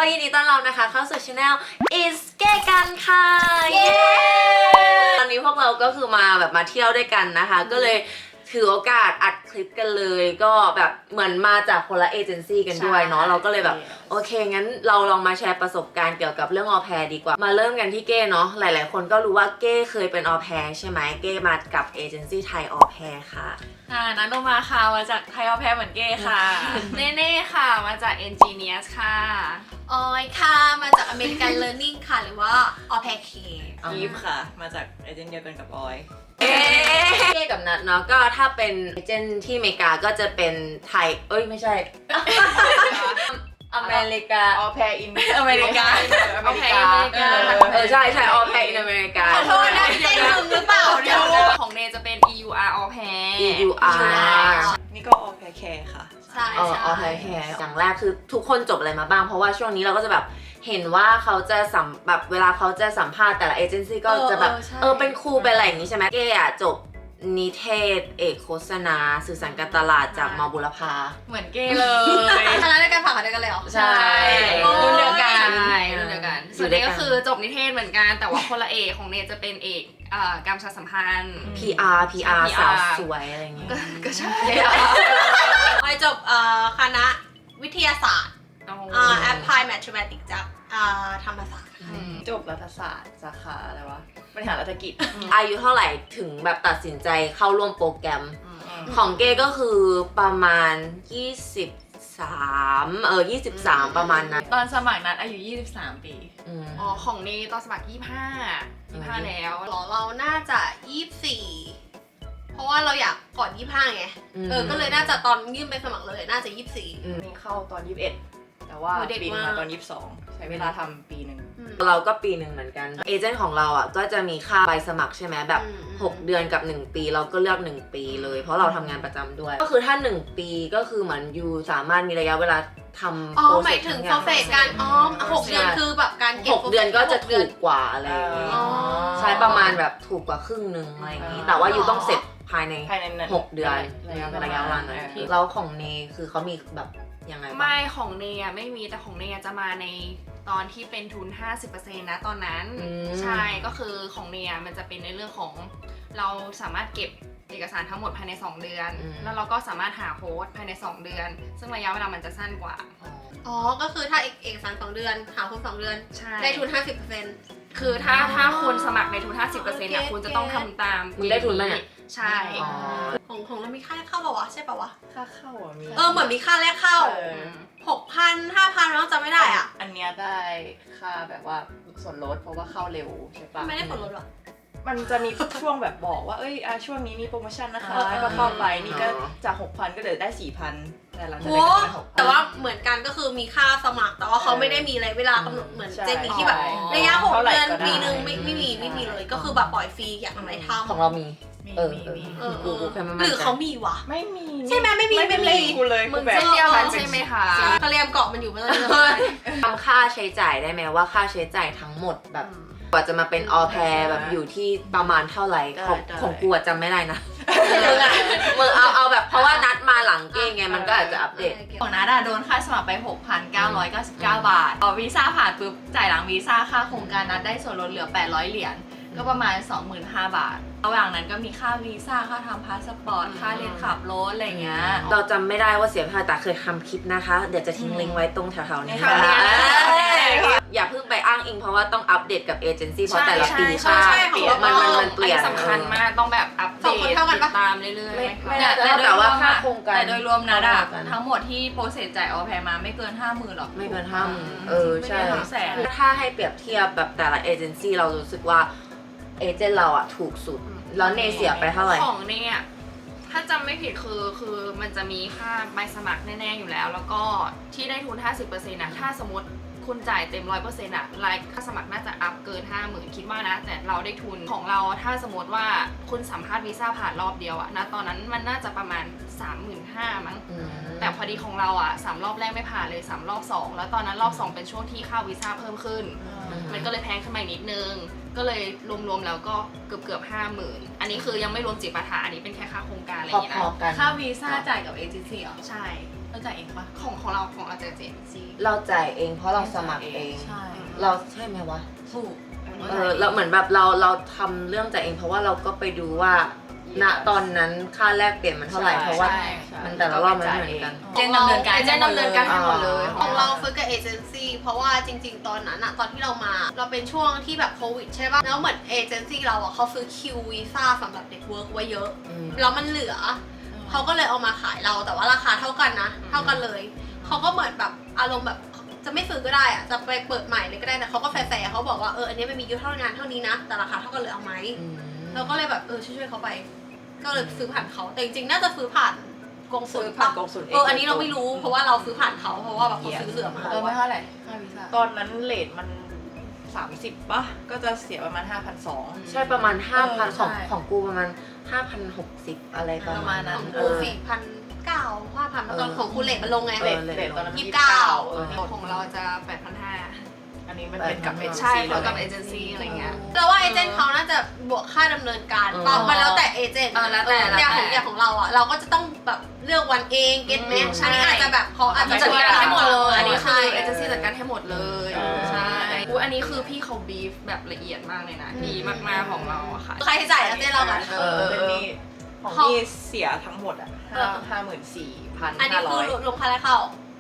ยินดีต้อนรับนะคะเข้าสู่ Channel Is เก้กันค่ะเย้ตอนนี้พวกเราก็คือมาเที่ยวด้วยกันนะคะ ก็เลยถือโอกาสอัดคลิปกันเลยก็แบบเหมือนมาจากคนละเอเจนซี่กันด้วยเนาะเราก็เลยแบบโอเคงั้นเราลองมาแชร์ประสบการณ์เกี่ยวกับเรื่องออแพร์ดีกว่ามาเริ่มกันที่เก้เนาะหลายๆคนก็รู้ว่าเก้เคยเป็นออแพร์ใช่ไหมเก้มากับเอเจนซี่ไทยออแพร์ค่ะนันโนมาค่ะมาจากไทยออแพร์เหมือนเก้ค่ะ เน่เน่ค่ะมาจาก Engineers ค่ะออยค่ะมาจาก American Learning ค่ะหรือว่า Au Pair K อีฟค่ะมาจากเอเจนต์เดียวกันกับออยเก้กับนัทเนาะก็ถ้าเป็นเอเจนต์ที่อเมริกาก็จะเป็นไทยไม่ใช่ อเมริกาออแพร์อินอเมริกาอเมริกาใช่ออแพร์อินอเมริกาขอโทษนะเต้นมึงหรือเปล่าเดี๋ยวของเนจะเป็น EUR Au Pair EUR นี่ก็ออแพร์แคร์ค่ะใช่ออแพร์แคร์อย่างแรกคือทุกคนจบอะไรมาบ้างเพราะว่าช่วงนี้เราก็จะแบบเห็นว่าเขาจะแบบเวลาเขาจะสัมภาษณ์แต่ละเอเจนซี่ก็จะแบบเป็นครูเป็นอะไรอย่างนี้ใช่ไหมเก้อะจบนิเทศเอกโฆษณาสื่อสารการตลาดจากม.บุรพาเหมือนเก้เลยคณะด้วยกันผ่านด้วยกันเลยเหรอใช่รุ่นเดียวกันส่วนนี้ก็คือจบนิเทศเหมือนกันแต่ว่าคนละเอกของเนจะเป็นเอกการประชาสัมพันธ์ PR สาวสวยอะไรอย่างเงี้ยก็ใช่ออยจบคณะวิทยาศาสตร์Applied Mathematics จากธรรมศาสตร์จบรัฐศาสตร์สาขาอะไรวะบริหารรัฐกิจอายุเท่าไหร่ถึงแบบตัดสินใจเข้าร่วมโปรแกรมของเก้ก็คือประมาณ23ประมาณนั้นตอนสมัครนัดอายุ23 ปีของนี่ตอนสมัคร25แล้วเราน่าจะ24เพราะว่าเราอยากก่อน25ไงก็เลยน่าจะตอนยื่นไปสมัครเลยน่าจะ24 นี่เข้าตอน21แต่ว่าปีนึงมาตอน22ใช้เวลาทำปีนึงเราก็ปีนึงเหมือนกันเอเจนต์ของเราอ่ะก็จะมีค่าใบสมัครใช่ไหมแบบ6เดือนกับ1ปีเราก็เลือก1ปีเลยเพราะเราทำงานประจำด้วยก็คือถ้า1ปีก็คือเหมือนยูสามารถมีระยะเวลาทำโปรเซสหมายถึงโปรเซสการ6เดือนคือแบบการเก็บ 6เดือนก็จะถูกกว่าอะไรอย่างงี้ใช้ประมาณแบบถูกกว่าครึ่งนึงอะไรอย่างงี้แต่ว่ายูต้องเสร็จภายใน6เดือนระยะเวลานั้นแล้วของเนคือเขามีแบบยังไงไม่ของเนยไม่มีแต่ของเนยจะมาในตอนที่เป็นทุน 50% นะตอนนั้นใช่ก็คือของเนยมันจะเป็นในเรื่องของเราสามารถเก็บเอกสารทั้งหมดภายใน2เดือนแล้วเราก็สามารถหาโฮสต์ภายใน2เดือนซึ่งระยะเวลามันจะสั้นกว่าก็คือถ้าเอกสาร2เดือนหาโฮสต์2เดือนได้ทุน 50% คือถ้าคุณสมัครในทุน 50% นะคุณจะต้องทำตามมึงได้ทุนไหมใช่ของเรามีค่าแรกเข้าป่าววะใช่ป่าววะค่าเข้ามีเหมือนมีค่าแรกเข้า 6,000 5,000แล้วจำไม่ได้อ่ะอันเนี้ยได้ค่าแบบว่าส่วนลดเพราะว่าเข้าเร็วใช่ปะไม่ได้ส่วนลดหรอมันจะมีช่วงแบบบอกว่าช่วงนี้มีโปรโมชั่นนะคะก็เข้าไปนี่ก็จาก 6,000 ก็เหลือได้ 4,000 แต่หลังจากนั้นก็เป็น 6,000 แต่ว่าเหมือนกันก็คือมีค่าสมัครแต่ว่าเขาไม่ได้มีอะไรเวลากำหนดเหมือนเจมี่ที่แบบระยะ6 เดือนปีนึงไม่มีเลยก็คือแบบปล่อยฟรีอยากทำอะไรทำของเรามีหรือเขามีวะไม่มีใช่ไหมไม่มีกูเลยมึงเส้นเดียวกันใช่ไหมคะทะเลเกาะมันอยู่เมื่อไหร่ทำค่าใช้จ่ายได้ไหมว่าค่าใช้จ่ายทั้งหมดแบบกว่าจะมาเป็นออแพร์แบบอยู่ที่ประมาณเท่าไหร่ของกูจำไม่ได้นะมึงเอาแบบเพราะว่านัดมาหลังเก้งไงมันก็อาจจะอัปเดตของนัดโดนค่าสมัครไป 6,999 บาทวีซ่าผ่านปุ๊บจ่ายหลังวีซ่าค่าโครงการนัดได้ส่วนลดเหลือ800 เหรียญก็ประมาณ 25,000 บาทระหว่างนั้นก็มีค่าวีซ่าค่าทำพาสปอร์ตค่าเรียนขับรถอะไรเงี้ยเราจำไม่ได้ว่าเสียเท่าไหร่แต่เคยทำคลิปนะคะเดี๋ยวจะทิ้งลิงก์ไว้ตรงแถวๆนี้อย่าเพิ่งไปอ้างอิงเพราะว่าต้องอัปเดตกับเอเจนซี่เพราะแต่ละปีค่ามันเปลี่ยนสำคัญมากต้องแบบอัปเดตตามเรื่อยๆแต่ว่าค่าโครงการแต่โดยรวมนะทั้งหมดที่โปรเซสจ่ายออแพร์มาไม่เกิน 50,000 หรอกไม่เกิน 50,000ใช่ถ้าให้เปรียบเทียบแบบแต่ละเอเจนซี่เรารู้สึกว่าเอเจนต์เราอะถูกสุดแล้วเนเสียไปเท่าไหร่ของเนยถ้าจำไม่ผิดคือมันจะมีค่าใบสมัครแน่ๆอยู่แล้วแล้วก็ที่ได้ทุน 50% นะถ้าสมมติคุณจ่ายเต็ม 100% อะรายค่าสมัครน่าจะอัพเกิน 50,000 คิดว่านะแต่เราได้ทุนของเราถ้าสมมติว่าคุณสัมภาษณ์วีซ่าผ่านรอบเดียวอะนะตอนนั้นมันน่าจะประมาณ 35,000 มั้งแต่พอดีของเราอะ3 รอบแรกไม่ผ่านเลย3 รอบ 2แล้วตอนนั้นรอบ 2เป็นช่วงที่ค่าวีซ่าเพิ่มขึ้นมันก็เลยแพงขึ้นมานิดนึงก็เลยรวมๆแล้วก็เกือบ 50,000 อันนี้คือยังไม่รวมจิปาถะอันนี้เป็นแค่ค่าโครงการอะไรอย่างเงี้ยนะค่าวีซ่าจ่ายกับเอเจนซี่เหรอใช่เราจ่ายเองปะของเราจะเจนซีเราจ่ายเองเพราะเราสมัครเองใช่เราใช่ไหมวะถูกเราเหมือนแบบเราทำเรื่องจ่ายเองเพราะว่าเราก็ไปดูว่าณตอนนั้นค่าแลกเปลี่ยนมันเท่าไหร่เพราะว่า มันแต่ละรอบมันไม่เหมือนกันเจนดำเนินการเจนดำเนินการให้หมดเลยของเราฝึกกับเอเจนซี่เพราะว่าจริงๆ ตอนนั้นอะตอนที่เรามาเราเป็นช่วงที่แบบโควิดใช่ป่ะแล้วเหมือนเอเจนซี่เราอะเขาซื้อคิววีซ่าสำหรับเด็กเวิร์กไว้เยอะ แล้วมันเหลือเขาก็เลยเอามาขายเราแต่ว่าราคาเท่ากันนะเท่ากันเลยเขาก็เหมือนแบบอารมณ์แบบจะไม่ซื้อก็ได้อะจะไปเปิดใหม่เลยก็ได้แต่เขาก็แฟร์ๆเขาบอกว่าอันนี้มันมีเท่างานเท่านี้นะแต่ราคาเท่ากันเลยเอาไหมเราก็เลยแบบช่วยๆเขาไป ก็เลยซื้อผ่านเขาแต่จริงๆน่าจะซื้อผ่านกงสุลผ่านกงสุลอันนี้เราไม่รู้เพราะว่าเราซื้อผ่านเขาเพราะว่าแบบเขาซื้อเหลือมาไม่เท่าไหร่ค่าวีซ่าตอนนั้นเรทมัน 30ป่ะก็จะเสียประมาณ 5,200 ใช่ประมาณ 5,000 ของใช่ของกูประมาณ 5,060 อะไรประมาณนั้นของกู4,900 5,000ตอนของคุณเลทมันลงไงเออเรทตอนนั้น 29 ของเราจะ 8,500 อันนี้มันเป็นกับเอเจนใช่ซี่แล้วกับเอเจนซี่อะไรเงี้ยแต่ว่าเอเจนต์เขาน่าจะบวกค่าดำเนินการป่ะมันแล้วแต่เอเจนต์แล้วแต่อย่างของเราอ่ะเราก็จะต้องแบบเลือกวันเองเก็ตไหมอันนี้อาจจะแบบเขาอาจจะจัดการให้หมดเลยอัอันนนี้นี้ใช่คือเอเจนซี่จัดการให้หมดเลยใช่อันนี้คือพี่เขาบีฟแบบละเอียดมากเลยนะดีมากๆของเราอะค่ะใครจ่ายแล้วเจนเรากันเป็นนี่ของนี่เสียทั้งหมดอ่ะ54,500 อันนี้คือลงค่าแรกเข้าร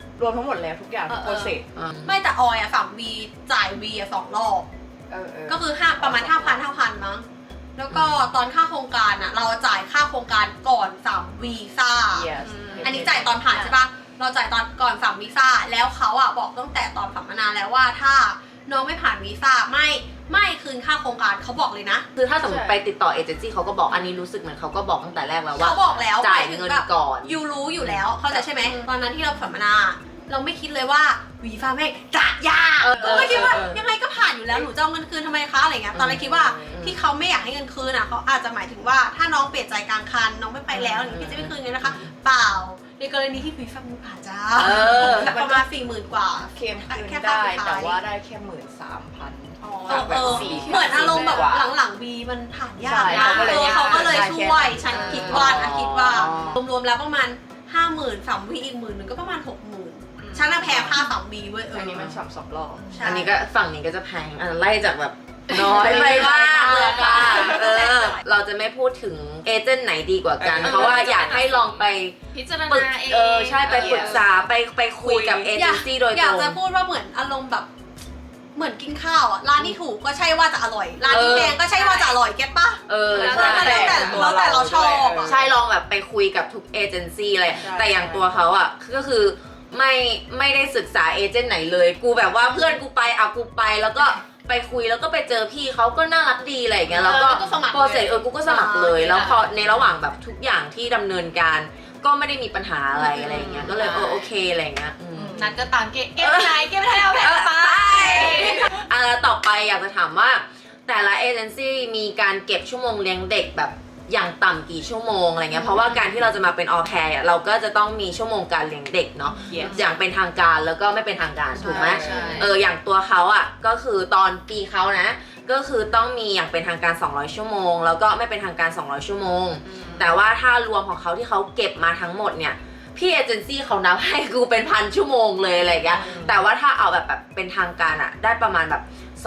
วมทั้งหมดแล้วทุกอย่างโปรเซสไม่แต่ออยอ่ะ3 V จ่าย V อ่ะ2 รอบก็คือประมาณ 5,000 มั้งแล้วก็ตอนค่าโครงการอ่ะเราจ่ายค่าโครงการก่อน3 วีซ่า อันนี้จ่ายตอนผ่านใช่ปะเราจ่ายตอนก่อน3 วีซ่าแล้วเขาอ่ะบอกตั้งแต่ตอนสัมมนาแล้วว่าถ้าน้องไม่ผ่านวีซ่าไม่คืนค่าโครงการเขาบอกเลยนะคือถ้าสมมติไปติดต่อเอเจนซี่เขาก็บอกอันนี้รู้สึกเหมือนเขาก็บอกตั้งแต่แรกแล้วว่าเขาบอกแล้วจ่ายหมถึเงินแบบก่อนยูรู้อยู่แล้วเข้าใจใช่ไหมตอนนั้นที่เราสัมมนา เราไม่คิดเลยว่าวีซ่าแม่งจะยากก็ไม่คิดว่ายังไงก็ผ่านอยู่แล้วหนูจะเอาเงินคืนทำไมคะอะไรเงี้ยตอนแรกคิดว่าที่เขาไม่อยากให้เงินคืนอ่ะเขาอาจจะหมายถึงว่าถ้าน้องเปลี่ยนใจกลางคันน้องไม่ไปแล้วอย่างนี้พี่จะไม่คืนเงินนะคะ เปล่าในกรณีที่วีซ่ามันผ่านจ้าประมาณ 40,000 กว่าเคลมคืนได้แต่ว่าได้แค่ 13,000 เหมือนอารมณ์แบบหลังๆวีมันผ่านยากใช่เขาก็เลยเขาก็เลยช่วยฉันคิดว่าอ๋อรวมๆแล้วประมาณ 50,000 3 วีอีก10,000ก็ประมาณ 60,000ฉันน่ะแพ้ค่า3 วีเว้ยอันนี้มันสับ2 รอบอันนี้ก็ฝั่งนี้ก็จะแพงไล่จากแบบน้อยไปมากเลยค่ะเราจะไม่พูดถึงเอเจนต์ไหนดีกว่ากัน เพราะว่าอยากให้ลองไปพิจารปรึกณาเองใช่ไปปรึกษาไปคุยกับเอเจนซี่โดยอตยากรงจะพูดว่าเหมือนอารมณ์แบบเหมือนกินข้าวอ่ะร้านที่ถูกก็ใช่ว่าจะอร่อยร้านที่แพงก็ใช่ว่าจะอร่อยเก็ตปะใช่แล้วแต่เราชอบอ่ะใช่ลองแบบไปคุยกับทุกเอเจนซี่เลยใช่แต่อย่างตัวเขาอ่ะก็คือไม่ได้ศึกษาเอเจนต์ไหนเลย กูแบบว่าเพื่อนกูไปกูไปแล้วก็ไปคุยแล้วก็ไปเจอพี่เขาก็น่ารักดีอะไรอย่างเงี้ยแล้วก็สมัครโปรเซสกูก็สมัครเลยแล้วพอในระหว่างแบบทุกอย่างที่ดำเนินการก็ไม่ได้มีปัญหาอะไรอะไรอย่างเงี้ยก็เลยโอเคอะไรอย่างเงี้ยนัดก็ตามเก็บไม่ได้เอาแผนไปแล้วต่อไปอยากจะถามว่าแต่ละเอเจนซี่มีการเก็บชั่วโมงเลี้ยงเด็กแบบอย่างต่ำกี่ชั่วโมงอะไรเงี้ยเพราะว่าการที่เราจะมาเป็นออแพร์เราก็จะต้องมีชั่วโมงการเลี้ยงเด็กเนาะ Yes อย่างเป็นทางการแล้วก็ไม่เป็นทางการถูกไหมใช่อย่างตัวเขาอ่ะก็คือตอนปีเขานะก็คือต้องมีอย่างเป็นทางการ200ชั่วโมงแล้วก็ไม่เป็นทางการ200ชั่วโมงแต่ว่าถ้ารวมของเขาที่เขาเก็บมาทั้งหมดเนี่ยพี่เอเจนซี่เขานับให้กูเป็น1,000 ชั่วโมงเลยอะไรอย่างเงี้ยแต่ว่าถ้าเอาแบบเป็นทางการอ่ะได้ประมาณแบบ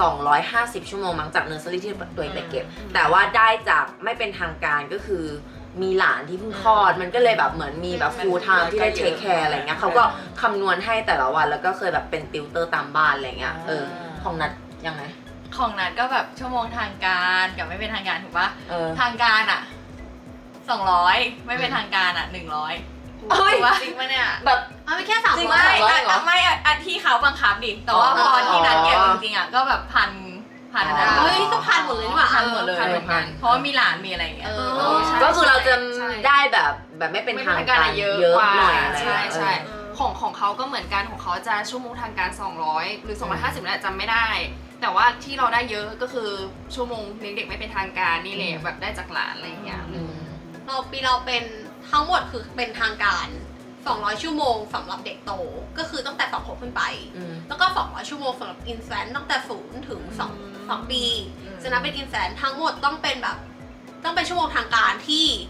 250ชั่วโมงมั้งจากเนอร์เซอรี่ที่ตัวเองไปเก็บแต่ว่าได้จากไม่เป็นทางการก็คือมีหลานที่เพิ่งคลอดมันก็เลยแบบเหมือนมีแบบ full time ที่ได้เทคแคร์อะไรเงี้ยเขาก็คำนวณให้แต่ละวันแล้วก็เคยแบบเป็นติวเตอร์ตามบ้านอะไรเงี้ยของนัดยังไงของนัดก็แบบชั่วโมงทางการกับไม่เป็นทางการถูกปะทาทางการอ่ะ200ไม่เป็นทางการอ่ะ100 เฮ้ยถูกปะจริงปะเนี่ยแบบเอาไปแค่จริง 300 ไม่ 300เหรอไม่อันที่เขาบังคับดิแต่ว่าพอที่นัดเก็บจริงๆอ่ะก็แบบพันนะเฮ้ยก็พันหมดเลยนี่หว่าพันหมดเลยพันเพราะว่ามีหลานมีอะไรอย่างเงี้ยใช่ก็คือเราจะใช่ได้แบบไม่เป็นทางการเยเยอะอะกว่าหน่อยอะไรใช่เงี้ยใช่ของเขาก็เหมือนกันของเขาจะชั่วโมงทางการ200หรือ250เนี่ยจำไม่ได้ แต่ว่าที่เราได้เยอะก็คือชั่วโมงเลี้ยงเด็กไม่เป็นทางการนี่แหละแบบได้จากหลานอะไรอย่างเงี้ยปีเราเป็นทั้งหมดคือเป็นทางการ200ชั่วโมงสำหรับเด็กโตก็คือตั้งแต่2 ขวบขึ้นไปแล้วก็200ชั่วโมงสำหรับอินแฟนตั้งแต่0 ถึง2 ปีฉะนั้นเป็นอินแฟนทั้งหมดต้องเป็นแบบต้องเป็นชั่วโมงทางการที่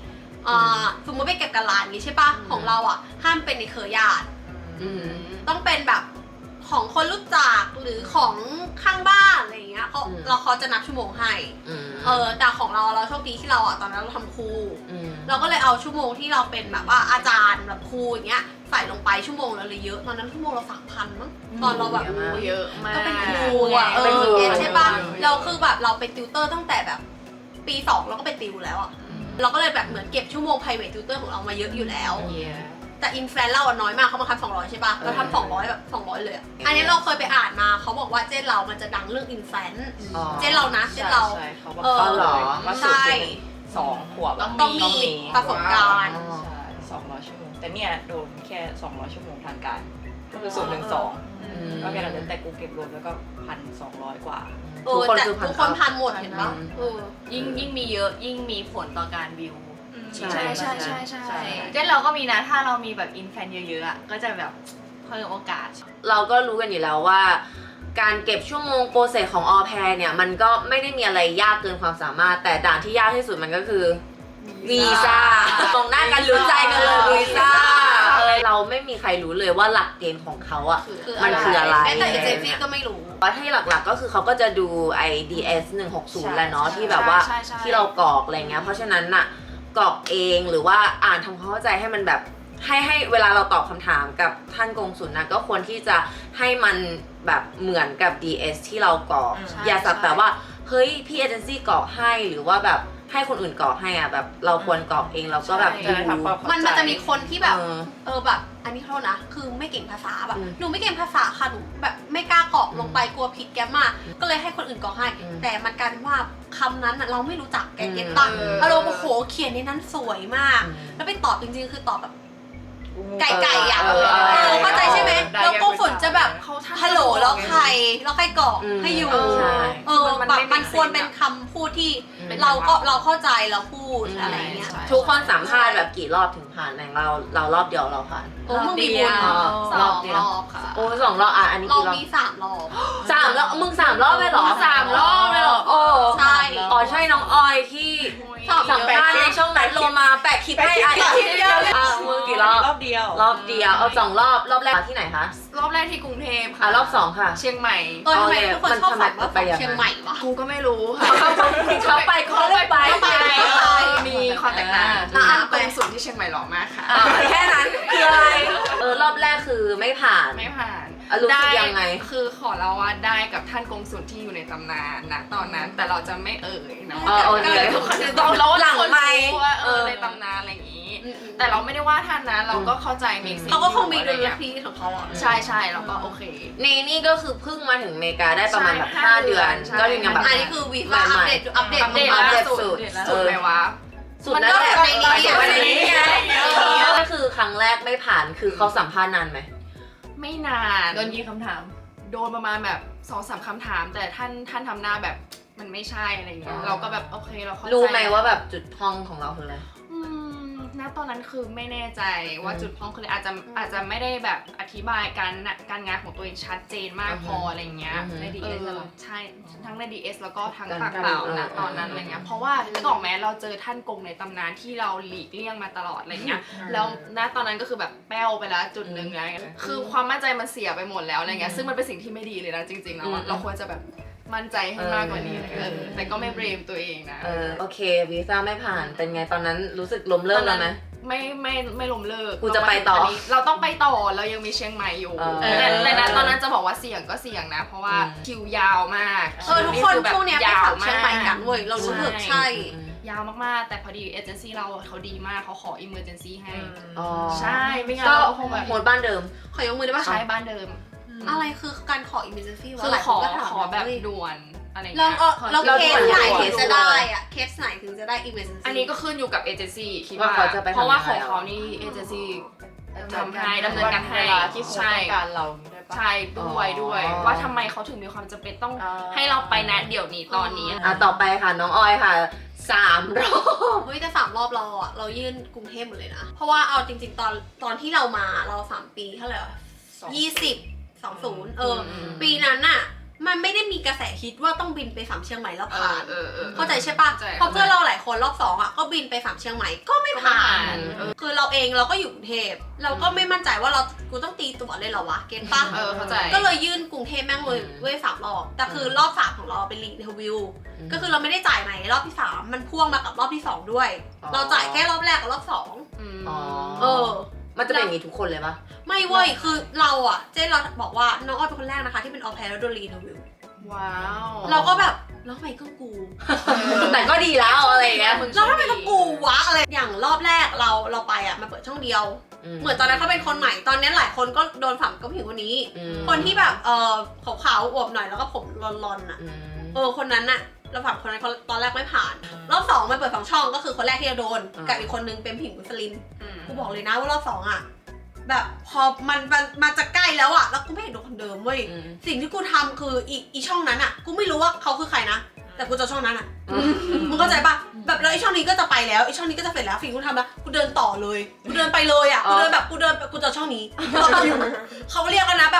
สมมติไปเก็บกันร้านนี้ใช่ปะของเราอ่ะห้ามเป็นในเครือญาติ ต้องเป็นแบบของคนรู้จักหรือของข้างบ้านอะไรอย่างเงี้ยเขาจะนับชั่วโมงให้แต่ของเราโชคดีที่เราอ่ะตอนนั้นเราทำครูเราก็เลยเอาชั่วโมงที่เราเป็นแบบว่าอาจารย์แบบครูอย่างเงี้ยใส่ลงไปชั่วโมงเราเลยเยอะตอนนั้นชั่วโมงเรา3,000มั้งตอนเราแบบเยอะมากก็เป็นครูอ่ะใช่ปะเราคือแบบเราเป็นติวเตอร์ตั้งแต่แบบปี2เราก็เป็นติวแล้วอ่ะเราก็เลยแบบเหมือนเก็บชั่วโมง private tutor ของเรามาเยอะอยู่แล้วแต่อินแฟนเราอะน้อยมากเขาบังคับ200ใช่ปะเราทำ200แบบ200เลยอันนี้เราเคยไปอ่านมาเขาบอกว่าเจนเรามันจะดังเรื่องอินแฟนเจนเรานะเจนเราใช่เขาบอกว่าสูตรเป็น2 ขวบต้องมีประสบการณ์ใช่200 ชั่วโมงแต่เนี่ยโดนแค่200 ชั่วโมงทางการก็คือสูตร1-2ก็แค่นั้นแต่กูเก็บรวมแล้วก็1,200 กว่าแต่ทุกคนพันหมดเห็นปะยิ่งมีเยอะยิ่งมีผลต่อการบิวใช่ใช่เช่นเราก็มีนะถ้าเรามีแบบอินแฟนเยอะๆอะก็จะแบบเพิ่มโอกาสเราก็รู้กันอยู่แล้วว่า การเก็บชั่วโมงโปรเซสของออแพรเนี่ยมันก็ไม่ได้มีอะไรยากเกินความสามารถแต่ด่านที่ยากที่สุดมันก็คือวีซ่ามองหน้ากันรู้ใจกันเลยวีซ่าเราไม่มีใครรู้เลยว่าหลักเกณฑ์ของเขาอ่ะมันคืออะไรแต่เอเจนซี่ก็ไม่รู้ว่าที่หลักๆก็คือเขาก็จะดูไอ้ DS 160แหละเนาะที่แบบว่าใช่ที่เรากรอกอะไรเงี้ยเพราะฉะนั้นน่ะกรอกเองหรือว่าอ่านทำความเข้าใจให้มันแบบให้เวลาเราตอบคำถามกับท่านกงสุลนะก็ควรที่จะให้มันแบบเหมือนกับ DS ที่เรากรอกอย่าสักแต่ว่าเฮ้ยพี่เอเจนซี่กรอกให้หรือว่าแบบให้คนอื่นกรอกให้อ่ะแบบเราควรกรอกเองเราก็แบบดูมันจะมีคนที่แบบแบบอันนี้เขานะคือไม่เก่งภาษาแบบหนูไม่เก่งภาษาค่ะหนูแบบไม่กล้ากรอกลงไปกลัวผิดแกมมาก็เลยให้คนอื่นกรอกให้แต่มันกลายเป็นว่าคำนั้นเราไม่รู้จักแกเก็ตตังเราโอ้โหเขียนในนั้นสวยมากแล้วไปตอบจริงๆคือตอบแบบไก่อ่ะเข้าใจใช่ไหมแล้วก็ฝนจะแบบฮัลโหลแล้วใครกรอกให้อยู่แบบมันควรเป็นคำพูดที่เราเข้าใจเราพูดอะไรเงี้ยทุกคนสัมภาษณ์แบบกี่รอบถึงผ่านอย่างเรารอบเดียวเราผ่านโอ้มึงมีบุญ 2 รอบค่ะโอ้2 รอบอ่ะอันนี้เรากี่รอบมี3 รอบ 3 รอบมึง3 รอบเลยเหรอ 3 รอบเลยเหรอโอ้ใช่อ๋อใช่น้องออยที่สัมภาษณ์ในช่องนั้นโลมาแปะคลิปให้อ่ะมึงกี่รอบรอบเดียวรอบเดียวเอา2 รอบแรกที่ไหนคะรอบแรกที่กรุงเทพอ่ะค่ะรอบ2ค่ะเชียงใหม่ทำไมทุกคนชอบฝันว่าเชียงใหม่วะกูก็ไม่รู้ค่ะเขาไปเขาเลยไปมีความแตกต่างกงสุลที่เชียงใหม่หล่อมากค่ะแค่นั้นคืออะไรรอบแรกคือไม่ผ่านไม่ผ่านรู้สึกยังไงคือขอเราว่าได้กับท่านกงสุลที่อยู่ในตำนานนะตอนนั้นแต่เราจะไม่เอ่ยนะโอเคทุกคนต้องเราหลังไมค์รู้ว่าในตำนานอะไรอย่างนี้ แต่เราไม่ได้ว่าท่านนะเราก็เข้าใจเมกซิเขาก็คงมีดุลพินิจของเขาอ่ะใช่เราก็โอเคนี่ก็คือเพิ่งมาถึงอเมริกาได้ประมาณแบบ5 เดือนใช่ก็ยังแบบอันนี้คือวีซ่าอัปเดตล่าสุดสุดไหมวะสุดแล้วแหละมันก็แบบในนี้ไงก็คือครั้งแรกไม่ผ่านคือเขาสัมภาษณ์นานไหมไม่นานโดนกี่คำถามโดนประมาณแบบ 2-3 คำถาม แต่ท่านทำหน้าแบบมันไม่ใช่อะไรเงี้ยเราก็แบบโอเคเราเข้าใจรู้ไหมว่าแบบจุดพองของเราคืออะไรณตอนนั้นคือไม่แน่ใจว่าจุดพ้องคืออะไรอาจจะไม่ได้แบบอธิบายการงานของตัวเองชัดเจนมากพออะไรเงี้ยใน DS เหรอใช่ทั้งใน DS แล้วก็ทั้งปากเปล่านะตอนนั้นอะไรเงี้ยเพราะว่านึกออกไหมเราเจอท่านกงในตำนานที่เราหลีกเลี่ยงมาตลอดอะไรเงี้ยแล้วณตอนนั้นก็คือแบบแป้วไปแล้วจุดหนึ่งอะไรเงี้ยคือความมั่นใจมันเสียไปหมดแล้วอะไรเงี้ยซึ่งมันเป็นสิ่งที่ไม่ดีเลยนะจริงๆแล้วเราควรจะแบบมั่นใจให้มากกว่านี้แต่ก็ไม่เบรมตัวเองนะโอเควีซ่าไม่ผ่านเป็นไงตอนนั้นรู้สึกล้มเลิกแล้วไหมไม่ล้มเลิกกูจะไปต่อเราต้องไปต่อเรายังมีเชียงใหม่อยู่แต่นะตอนนั้นจะบอกว่าเสี่ยงก็เสี่ยงนะ เพราะว่าคิวยาวมากทุกคนช่วงเนี้ยไปขับเชียงใหม่กันเว้ยเรารู้สึกใช่ยาวมากๆแต่พอดีเอเจนซี่เราเขาดีมากเขาขออิมเมอร์เจนซี่ให้อ๋อใช่ไม่งั้นก็เราก็คงแบบโหดบ้านเดิมขอยกมือได้ปะใช้บ้านเดิมอะไรคือการขอ emergency วะคือหลายขคอนก็ถามขอแบบด่วนอะไรเราเงี้ยเราเคสไหนเราถึงจะได้อะเคสไหนถึงจะได้ emergency อันนี้ก็ขึ้นอยู่กับเอเจนซี่คิดว่าว่าเขาจะไปทำเพราะว่าของยังไงเขานี่เอเจนซี่ ทำให้ดำเนินการให้เวลาที่เขาต้องการเราได้ปะใช่ด้วยว่าทำไมเขาถึงมีความจำเป็นต้องให้เราไปนะเดี๋ยวนี้ตอนนี้ต่อไปค่ะน้องออยค่ะ3 รอบเฮ้ยแต่3 รอบเรายื่นกรุงเทพหมดเลยนะ เพราะว่าเอาจริงๆตอนที่เรามาเรา3 ปีเท่าไหร่วะ20 20ปีนั้นน่ะมันไม่ได้มีกระแสฮิตว่าต้องบินไปสามเชียงใหม่แล้วผ่าน เข้าใจใช่ปะเข้าใจเพราะเพื่อนเราหลายคนรอบ2อ่ะก็บินไปสามเชียงใหม่ก็ไม่ผ่าน คือเราเองเราก็อยู่กรุงเทพเราก็ไม่มั่นใจว่ากูต้องตีตั๋วเลยเหรอวะเก็ตปะเข้าใจก็เลยยื่นกรุงเทพแม่งเลยเว้ย3 รอบแต่คือรอบ3ของเราเป็นรีเทอร์วิวก็คือเราไม่ได้จ่ายใหม่รอบที่3มันพ่วงมากับรอบที่2ด้วย เราจ่ายแค่รอบแรกกับรอบ2 อ๋อเออมันจะเป็นอย่างนี้ทุกคนเลยปะไม่เว้ยคือเราอ่ะเจ๊เราบอกว่าน้องอ้อยเป็นคนแรกนะคะที่เป็นออแพร์แล้วโดนรีเทอร์วิวว้าวเราก็แบบแล้วทำไมต้องกูแต่ก็ดีแล้วอะไรอย่างเงี้ยแล้วทำไมต้องกูวะอะไรอย่างรอบแรกเราไปอ่ะมันเปิดช่องเดียว เหมือนตอนนั้นเขาเป็นคนใหม่ตอนนี้หลายคนก็โดนฝังกับผู้หญิงคนนี้ คนที่แบบขาวๆอวบหน่อยแล้วก็ผมรอนๆอ่ะคนนั้นน่ะเราฝังคนนั้นตอนแรกไม่ผ่านรอบ2มันเปิด2 ช่องก็คือคนแรกที่จะโดนกับอีกคนนึงเป็นผู้หญิงมุสลิมกูบอกเลยนะว่ารอบ2อ่ะแบบพอมันจะใกล้แล้วอ่ะแล้วกูไม่เห็นโดนคนเดิมเว้ยสิ่งที่กูทำคืออีช่องนั้นอ่ะกูไม่รู้ว่าเขาคือใครนะแต่กูจะช่องนั้นอ่ะมึงเข้าใจปะแบบแล้วไอช่องนี้ก็จะไปแล้วไอช่องนี้ก็จะเสร็จแล้วสิ่งที่กูทำแล้วกูเดินต่อเลยกูเดินไปเลยอ่ะกูเดินกูจะช่องนี้เขาเรียกกันนะแบบ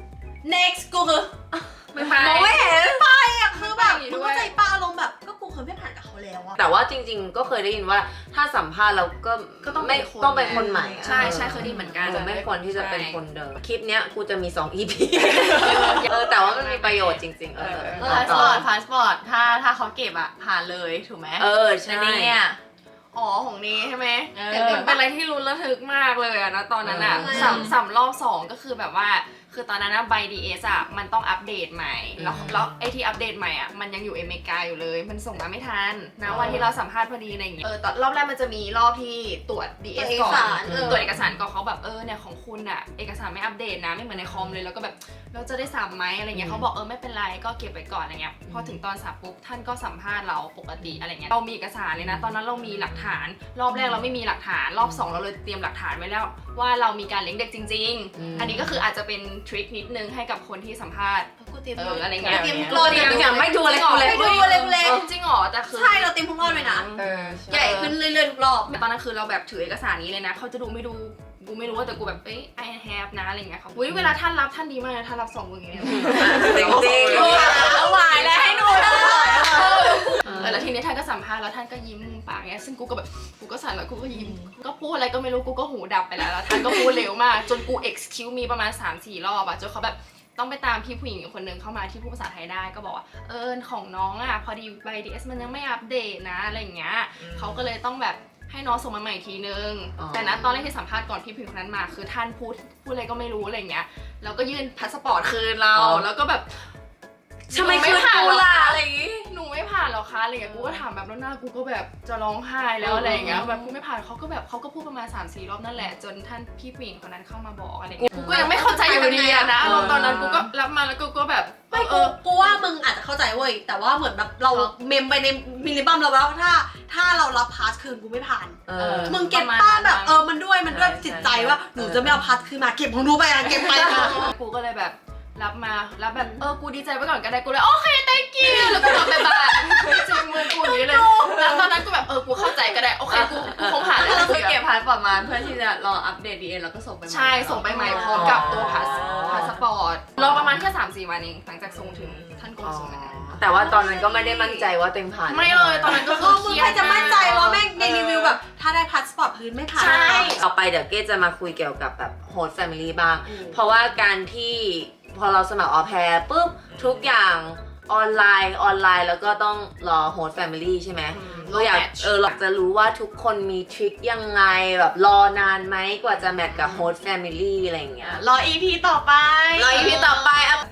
next กูคือไม่ไปมองไม่เห็นอ่ะคือแบบมึงเข้าใจปะอารมณ์แบบก็กูเคยไม่ผ่านกับเขาแล้วอะแต่ว่าจริงๆ ก็เคยได้ยินว่าถ้าสัมภาษณ์เราก็ก็ต้องไม่เป็นคนต้องเป็นคนใหม่อะใช่เคยได้เหมือนกันไม่ควรที่จะเป็นคนเดิมคลิปเนี้ยกูจะมี2 EP แต่ว่ามันมีประโยชน์จริงๆพาสปอร์ตถ้าเขาเก็บอ่ะผ่านเลยถูกไหมใช่แต่เนี่ยอ๋อของนี้ใช่ไหมเออเป็นอะไรที่ลุ้นระทึกมากเลยอะนะตอนนั้นอะสามรอบ2ก็คือแบบว่าคือตอนนั้นนะใบ DS อะมันต้องอัปเดตใหม่แล้วไอที่อัปเดตใหม่อะมันยังอยู่อเมริกาอยู่เลยมันส่งมาไม่ทันนะวันที่เราสัมภาษณ์พอดีอะไรอย่างเงี้ยตอนรอบแรกมันจะมีรอบที่ตรวจ DS ก่อนตรวจเอกสารก่อนเขาแบบเนี่ยของคุณอะเอกสารไม่อัปเดตนะไม่เหมือนในคอมเลยแล้วก็แบบเราจะได้สัมไหมอะไรเงี้ยเขาบอกไม่เป็นไรก็เก็บไว้ก่อนอะไรเงี้ยพอถึงตอนสัมปุ๊บท่านก็สัมภาษณ์เราปกติอะไรเงี้ยเรามีเอกสารเลยนะตอนนั้นเรามีหลักฐานรอบแรกเราไม่มีหลักฐานรอบ2เราเลยเตรียมหลักฐานไว้แล้วว่าเรามีการเลี้ยงเด็กจริงๆอันนี้ก็คืออาจจะเป็นทริคนิดนึงให้กับคนที่สัมภาษณ์กูเตรียมอะไรเงี้ยเตรียมรอเดี๋ยวไม่ดูเลยกูเลยไม่ดูเลยจริงเหรอแต่คือใช่เราเตรียมทุกรอบเลยนะใหญ่ขึ้นเรื่อยๆทุกรอบตอนนั้นคือเราแบบถือเอกสารนี้เลยนะเขาจะดูไม่ดูกูไม่รู้ว่าแต่กูแบบI have นะอะไรเงี้ยเขาเวลาท่านรับท่านดีมากนะท่านรับ2 มืออย่างเงี้ยจริงๆเอาหวายแล้วให้หนูเลยแล้วทีนี้ท่านก็สัมภาษณ์แล้วท่านก็ยิ้มมุมปากเงี้ยซึ่งกูก็แบบกูก็สั่นแล้วกูก็ยิ้มก็พูดอะไรก็ไม่รู้กูก็หูดับไปแล้วท่านก็พูดเร็วมากจนกู excuse มีประมาณ 3-4 รอบอะจนเขาแบบต้องไปตามพี่ผู้หญิงอีกคนนึงเข้ามาที่พูดภาษาไทยได้ก็บอกว่าของน้องอะพอดีใบ DS มันยังไม่อัปเดตนะอะไรอย่างเงี้ยเขาก็เลยต้องแบบให้น้องส่งมาใหม่ทีนึงแต่นะตอนแรกที่สัมภาษณ์ก่อนพี่ผู้หญิงคนนั้นมาคือท่านพูดอะไรก็ไม่รู้อะไรเงี้ยแล้วก็ยื่นพาสปอร์ตคืนเราแล้วก็แบบทำไมคืนกูล่ะอะไรอย่างงี้หนูไม่ผ่านหรอคะอะไรอย่างเงี้ยกูก็ถามแบบแล้วหน้ากูก็แบบจะร้องไห้แล้วอะไรอย่างเงี้ยแบบกูไม่ผ่านเขาก็พูดประมาณ 3-4 รอบนั่นแหละจนท่านพี่ผู้หญิงคนนั้นเข้ามาบอกอะไรเงี้ยกูก็ยังไม่เข้าใจอยู่ดีอะนะอารมณ์ตอนนั้นกูก็รับมาแล้วกูก็แบบไม่กูว่ามึงอาจจะเข้าใจเว้ยแต่ว่าเหมือนแบบเราเมมไปในมิลลิบัมเราแล้วถ้าเรารับพาสคืนกูไม่ผ่านมึงเก็บป้าแบบมันด้วยจิตใจว่าหนูจะไม่เอาพาสคืนมาเก็บของหนูไปเก็บไปกูก็เลยแบบรับมารับแบบกูดีใจไว้ก่อนก็ได้กูเลยโอเค thank you แล้วก็รับไปบ้านจุงมือกูอย่างนี้เลยแล้วตอนนั้นกูแบบกูเข้าใจก็ได้โอเคกูคงผ่านแล้วเราเก็บพาสปอร์ตมาเพื่อที่จะรออัปเดต DS แล้วก็ส่งไปใหม่ใช่ส่งไปใหม่พร้อมกับตัวพาสปอร์ตรอประมาณแค่ 3-4 วันเองหลังจากส่งถึงท่านกงสุลนะแต่ว่าตอนนั้นก็ไม่ได้มั่นใจว่าเต็มผ่านไม่เลยตอนนั้นก็คือมึงใครจะมั่นใจว่าแม่งในรีวิวแบบถ้าได้พาสปอร์ตพื้นไม่ผ่านใช่ต่อไปเดี๋ยวเก้จะมาคุยเกี่ยวกับแบบโฮสต์แฟมิลี่บ้างเพราะว่าการที่พอเราสมัครออแพร์ปุ๊บทุกอย่างออนไลน์แล้วก็ต้องรอโฮสต์แฟมิลี่ใช่ไหมเราอยากจะรู้ว่าทุกคนมีทริคยังไงแบบรอนานไหมกว่าจะแมทกับโฮสต์แฟมิลี่อะไรอย่างเงี้ยรอ EP ต่อไปรอ EP ต่อไปเอา